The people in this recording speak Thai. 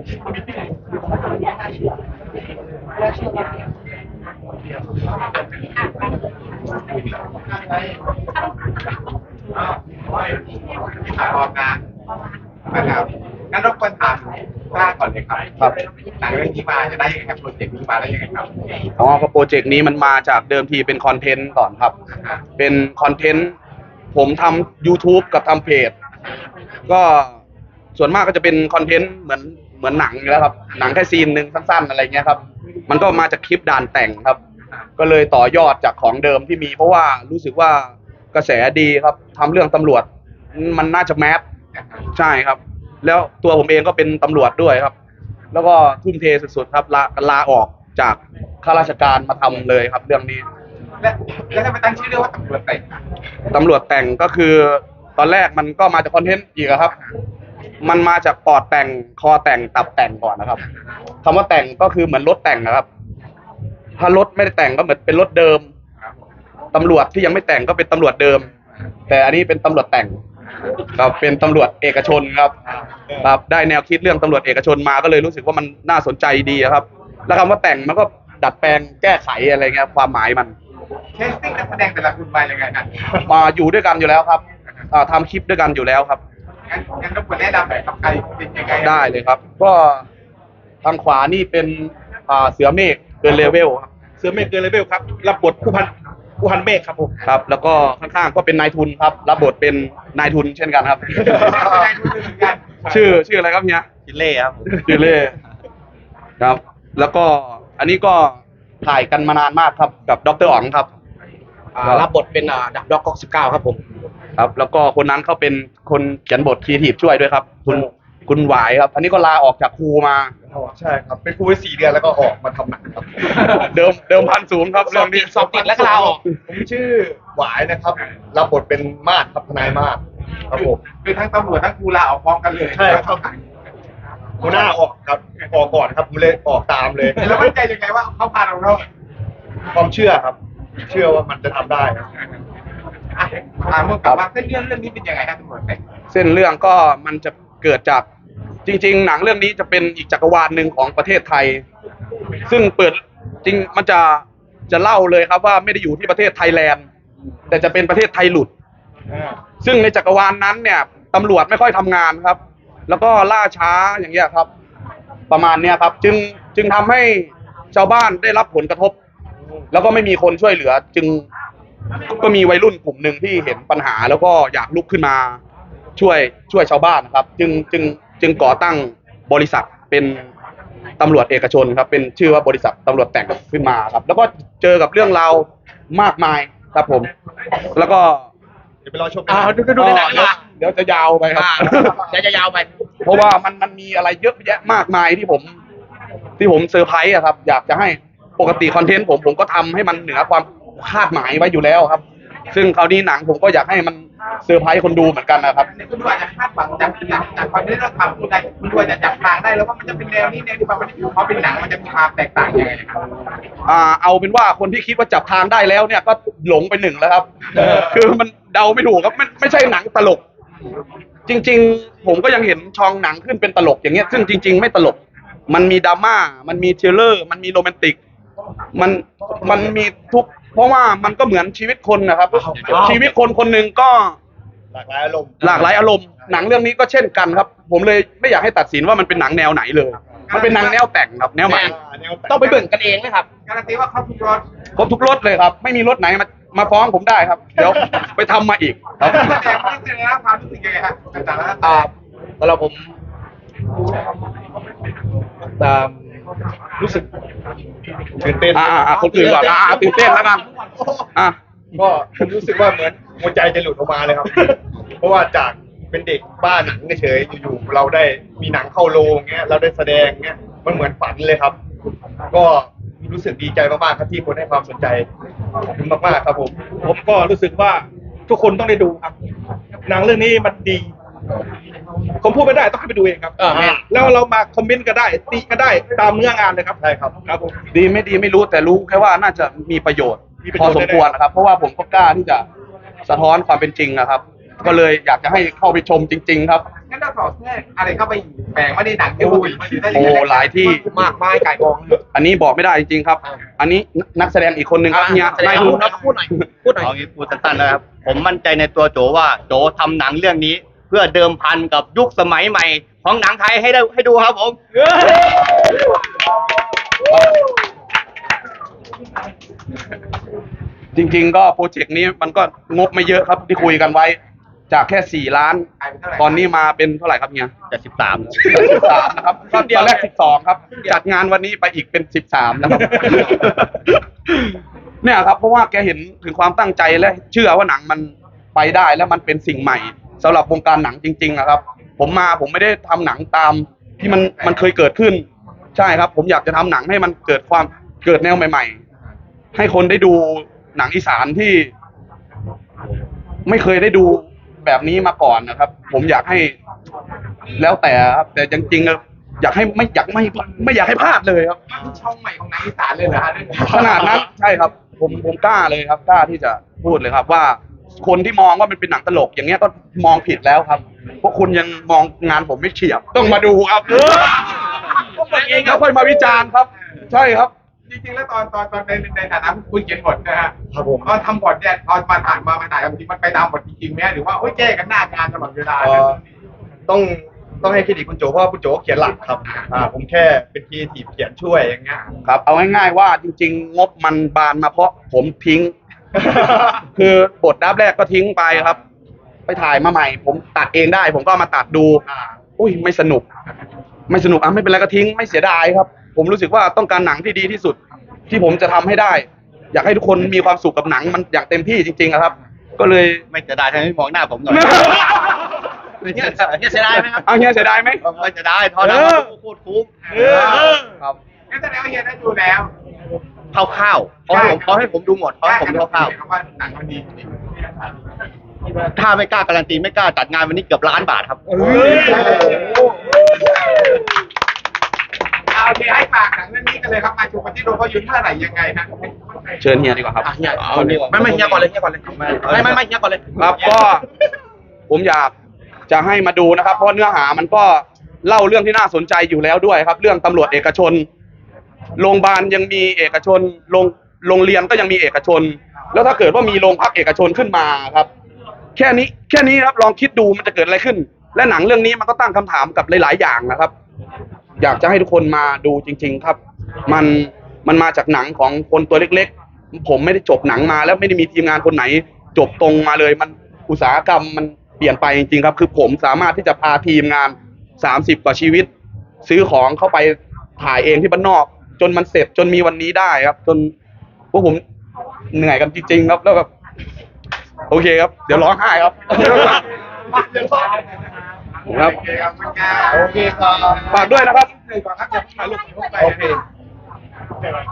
พร้อมนะนะครับงั้นรบกวนถามกล้าก่อนเลยครับครับหนังเรื่องนี้มาจะได้ยังไงครับโปรเจกต์นี้มาได้ยังไงครับอ๋อโปรเจกต์นี้มันมาจากเดิมทีเป็นคอนเทนต์ก่อนครับ เป็นคอนเทนต์ผมทำ YouTube กับทำเพจก็ส่วนมากก็จะเป็นคอนเทนต์เหมือนหนังอยู่แล้วครับหนังแค่ซีนหนึ่งสั้นๆอะไรเงี้ยครับมันก็มาจากคลิปด่านแต่งครับก็เลยต่อยอดจากของเดิมที่มีเพราะว่ารู้สึกว่ากระแสดีครับทำเรื่องตำรวจมันน่าจะแมสใช่ครับแล้วตัวผมเองก็เป็นตำรวจด้วยครับแล้วก็ทุ่มเทสุดๆครับลาออกจากข้าราชการมาทำเลยครับเรื่องนี้แล้วทำไมตั้งชื่อเรื่องว่าตำรวจแต่งตำรวจแต่งก็คือตอนแรกมันก็มาจากคอนเทนต์อีกครับมันมาจากปอดแต่งคอแต่งตับแต่งก่อนนะครับคำว่าแต่งก็คือเหมือนรถแต่งนะครับถ้ารถไม่ได้แต่งก็เหมือนเป็นรถเดิมตำรวจที่ยังไม่แต่งก็เป็นตำรวจเดิมแต่อันนี้เป็นตำรวจแต่งครับเป็นตำรวจเอกชนครับครับได้แนวคิดเรื่องตำรวจเอกชนมาก็เลยรู้สึกว่ามันน่าสนใจดีครับแล้วคำว่าแต่งมันก็ดัดแปลงแก้ไขอะไรเงี้ยความหมายมันแคสติ้งนักแสดงแต่ละคนมายังไงกันมาอยู่ด้วยกันอยู่แล้วครับทำคลิปด้วยกันอยู่แล้วครับงั้นรบกวนแนะนำหน่อยครับใครเป็นยังไงได้เลยครับก็ทางขวานี่เป็นเสือเมฆเกินเลเวลครับเสือเมฆเกินเลเวลครับรับบทผู้พันเมฆครับผมครับแล้วก็ข้างๆก็เป็นนายทุนครับรับบทเป็นนายทุนเช่นกันครับชื่ออะไรครับเฮียจิเล่ครับจิเล่ครับแล้วก็อันนี้ก็ถ่ายกันมานานมากครับกับดร.อ๋องครับรับบทเป็นดับด็อกก๊อก19ครับผมครับแล้วก็คนนั้นเขาเป็นคนเขียนบทครีเอทีฟช่วยด้วยครับคุณหวายครับอันนี้ก็ลาออกจากครูมาใช่ครับเป็นครูไป4 เดือนแล้วก็ออกมาทำหนังครับเดิมพันสูงครับเรื่องนี้สอบติดแล้วก็ลาออกผมชื่อหวายนะครับรับบทเป็นมาศครับทนายมาศครับผมเป็นทั้งตำรวจทั้งครูลาออกพร้อมกันเลยใช่ครับหัวหน้าออกครับออกก่อนครับผมเลยออกตามเลยแล้วมั่นใจยังไงว่าเขาพาเราความเชื่อครับเชื่อว่ามันจะทำได้ครับเมื่อกลับมาเส้นเรื่องนี้เป็นยังไงครับตำรวจแต่งเส้นเรื่องก็มันจะเกิดจากจริงๆหนังเรื่องนี้จะเป็นอีกจักรวาลหนึ่งของประเทศไทยซึ่งเปิดจริงมันจะเล่าเลยครับว่าไม่ได้อยู่ที่ประเทศไทยแลนด์แต่จะเป็นประเทศไทยหลุดซึ่งในจักรวาลนั้นเนี่ยตำรวจไม่ค่อยทำงานครับแล้วก็ล่าช้าอย่างเงี้ยครับประมาณเนี้ยครับจึงทำให้ชาวบ้านได้รับผลกระทบแล้วก็ไม่มีคนช่วยเหลือจึงก็มีวัยรุ่นกลุ่มหนึ่งที่เห็นปัญหาแล้วก็อยากลุกขึ้นมาช่วยชาวบ้านนะครับจึงก่อตั้งบริษัทเป็นตำรวจเอกชนครับเป็นชื่อว่าบริษัทตำรวจแต่งขึ้นมาครับแล้วก็เจอกับเรื่องราวมากมายครับผมแล้วก็เดี๋ยวไปรอชมดูในหนังเดี๋ยวจะยาวไปครับจะยาวไปเพราะว่ามันมีอะไรเยอะแยะมากมายที่ผมเซอร์ไพรส์ครับอยากจะให้ปกติคอนเทนต์ผมก็ทำให้มันเหนือความคาดหมายไว้อยู่แล้วครับซึ่งคราวนี้หนังผมก็อยากให้มันเซอร์ไพรส์คนดูเหมือนกันนะครับคุณดูอาจจะคาดหวังจากความที่เราทำคุณดูอาจจะจับทางได้แล้วว่ามันจะเป็นแนวนี้ที่มันเขาเป็นหนังมันจะมีความแตกต่างยังไงครับเอาเป็นว่าคนที่คิดว่าจับทางได้แล้วเนี่ยก็หลงไปหนึ่งแล้วครับคือมันเดาไม่ถูกครับไม่ใช่หนังตลกจริงๆผมก็ยังเห็นช่องหนังขึ้นเป็นตลกอย่างเงี้ยซึ่งจริงๆไม่ตลกมันมีดราม่ามันมีทริลเลอร์มันมีโรแมนติกมันมีทุกเพราะว่ามันก็เหมือนชีวิตคนนะครับชีวิตคนหนึ่งก็หลากหลายอารมณ์หนังเรื่องนี้ก็เช่นกันครับผมเลยไม่อยากให้ตัดสินว่ามันเป็นหนังแนวไหนเลยมันเป็นหนังแนวแต่งครับแนวใหม่ต้องไปเบิ่งกันเองนะครับการันตีว่าครบทุกรสเลยครับไม่มีรถไหนมาฟ้องผมได้ครับเดี๋ยวไปทำมาอีกครับแสดงความรู้สึกยังไงครับแต่ละสำหรับผมรู้สึกตื่นเต้นคนอื่นก่อนตื่นเต้นแล้วกันก็รู้สึกว่าเหมือนหัวใจจะหลุดออกมาเลยครับเพราะว่าจากเป็นเด็กบ้าหนังเฉยๆอยู่ๆเราได้มีหนังเข้าโรงเงี้ยเราได้แสดงเงี้ยมันเหมือนฝันเลยครับก็รู้สึกดีใจมากๆครับที่คนให้ความสนใจมากๆครับผมก็รู้สึกว่าทุกคนต้องได้ดูครับหนังเรื่องนี้มันดีผมพูดไม่ได้ต้องให้ไปดูเองครับแล้วเรามาคอมเมนต์ก็ได้ติก็ได้ตามเนื้องานเลยครับใช่ครับครับผมดีไม่ดีไม่รู้แต่รู้แค่ว่าน่าจะมีประโยชน์พอสมควรนะครับเพราะว่าผมก็กล้าที่จะสะท้อนความเป็นจริงนะครับก็เลยอยากจะให้เข้าไปชมจริง ๆ ครับงั้นเราสอดแทรกอะไรเข้าไปแฝงไม่ได้หนังที่โอ้หลายที่มากมายไก่กองอันนี้บอกไม่ได้จริงๆครับ อันนี้นักแสดงอีกคนหนึ่งครับเนี่ยแสดงนายทุนพูดหน่อยเอางี้พูดสั้นๆนะครับ ผมมั่นใจในตัวโจว่าโจทำหนังเรื่องนี้ เพื่อเดิมพันกับยุคสมัยใหม่ของหนังไทยให้ดูครับผมจริงๆก็โปรเจกต์นี้มันก็งบไม่เยอะครับที่คุยกันไว้ จากแค่4 ล้าน ตอนนี้มาเป็นเท่าไหร่ครับเนี่ยจะ13 13นะครับตอนแรก12ครับ จัดงานวันนี้ไปอีกเป็น13แล้วครับ เนี่ยครับเพราะว่าแกเห็นถึงความตั้งใจและเชื่อว่าหนังมันไปได้แล้วมันเป็นสิ่งใหม่สำหรับวงการหนังจริงๆนะครับ ผมไม่ได้ทำหนังตามที่มันเคยเกิดขึ้น ใช่ครับ ผมอยากจะทำหนังให้มันเกิดแนวใหม่ๆ ให้คนได้ดูหนังอีสานที่ไม่เคยได้ดูแบบนี้มาก่อนนะครับ ผมอยากให้แล้วแต่ครับแต่จริงๆอยากให้ไม่อยากให้พลาดเลยครับช่องใหม่ของหนังอีสานเลยเหรอฮะขนาดนั้นใช่ครับ ผมกล้าเลยครับกล้าที่จะพูดเลยครับว่าคนที่มองว่ามันเป็นหนังตลกอย่างเงี้ยก็มองผิดแล้วครับเพราะคุณยังมองงานผมไม่เฉียบต้องมาดูครับแล้วค่อยมาวิจารณ์ครับ ใช่ครับจริงๆแล้วตอนในฐานะคุณเขียนบทนะฮะครับผมตอนทำบทเนี่ยตอนมาถ่ายจริงมันไปตามบทจริงๆไหมหรือว่าแก้กันหน้างานตลอดเวลาต้องให้เครดิตคุณโจเพราะว่าคุณโจเขียนหลักครับ ผมแค่เป็นครีเอทีฟเขียนช่วยอย่างเงี้ยครับเอาง่ายๆว่าจริงๆ งบมันบานมาเพราะผมทิ้ง คือบทดับแรกก็ทิ้งไปครับ ไปถ่ายมาใหม่ ผมตัดเองได้ ผมก็เอามาตัดดู อุ้ยไม่สนุกไม่เป็นไรก็ทิ้งไม่เสียดายครับ ผมรู้สึกว่าต้องการหนังที่ดีที่สุด ที่ผมจะทำให้ได้ อยากให้ทุกคนมีความสุขกับหนังมันอย่างเต็มที่จริงๆอะครับ ก็เลยไม่เสียดายทำไมไม่มองหน้าผมหน่อยเสียดายไหมครับเอาเฮียเสียดายไหมไม่เสียดายเท่านั้นโคตรคุ้มครับงั้นแสดงว่าเฮียได้ดูแล้วคร่าวๆเขาให้ผมดูหมดเขาให้ผมดูคร่าวว่าหนังมันดีจริงๆถ้าไม่กล้าการันตีไม่กล้าจัดงานวันนี้เกือบ1,000,000 บาทครับโอเคให้ฝากหนังเรื่องนี้กันเลยครับมาชมกันที่โรงภาพยนตร์เมื่อไหร่ยังไงนะเชิญเฮียดีกว่าครับไม่เฮียก่อนเลยเฮียก่อนเลยไม่เฮียก่อนเลยครับก็ผมอยากจะให้มาดูนะครับ เพราะเนื้อหามันก็เล่าเรื่องที่น่าสนใจอยู่แล้วด้วยครับ เรื่องตำรวจเอกชนโรงพยาบาลยังมีเอกชนโรงเรียนก็ยังมีเอกชน แล้วถ้าเกิดว่ามีโรงพักเอกชนขึ้นมาครับ แค่นี้ครับลองคิดดูมันจะเกิดอะไรขึ้น และหนังเรื่องนี้มันก็ตั้งคำถามกับหลายๆอย่างนะครับ อยากจะให้ทุกคนมาดูจริง ๆครับ มันมาจากหนังของคนตัวเล็กๆ ผมไม่ได้จบหนังมาแล้วไม่ได้มีทีมงานคนไหน จบตรงมาเลยมันอุตสาหกรรมมันเปลี่ยนไปจริงๆครับ คือผมสามารถที่จะพาทีมงาน30 กว่าชีวิต ซื้อของเข้าไปถ่ายเองที่บ้านนอก จนมันเสร็จจนมีวันนี้ได้ครับ จนพวกผมเหนื่อยกันจริงๆครับแล้วแบบโอเคครับ เดี๋ยวร้องไห้ครับ ครับโอเคครับฝากด้วยนะครับเลยก่อนครับอย่าเพิ่งถ่ายรูปโอเค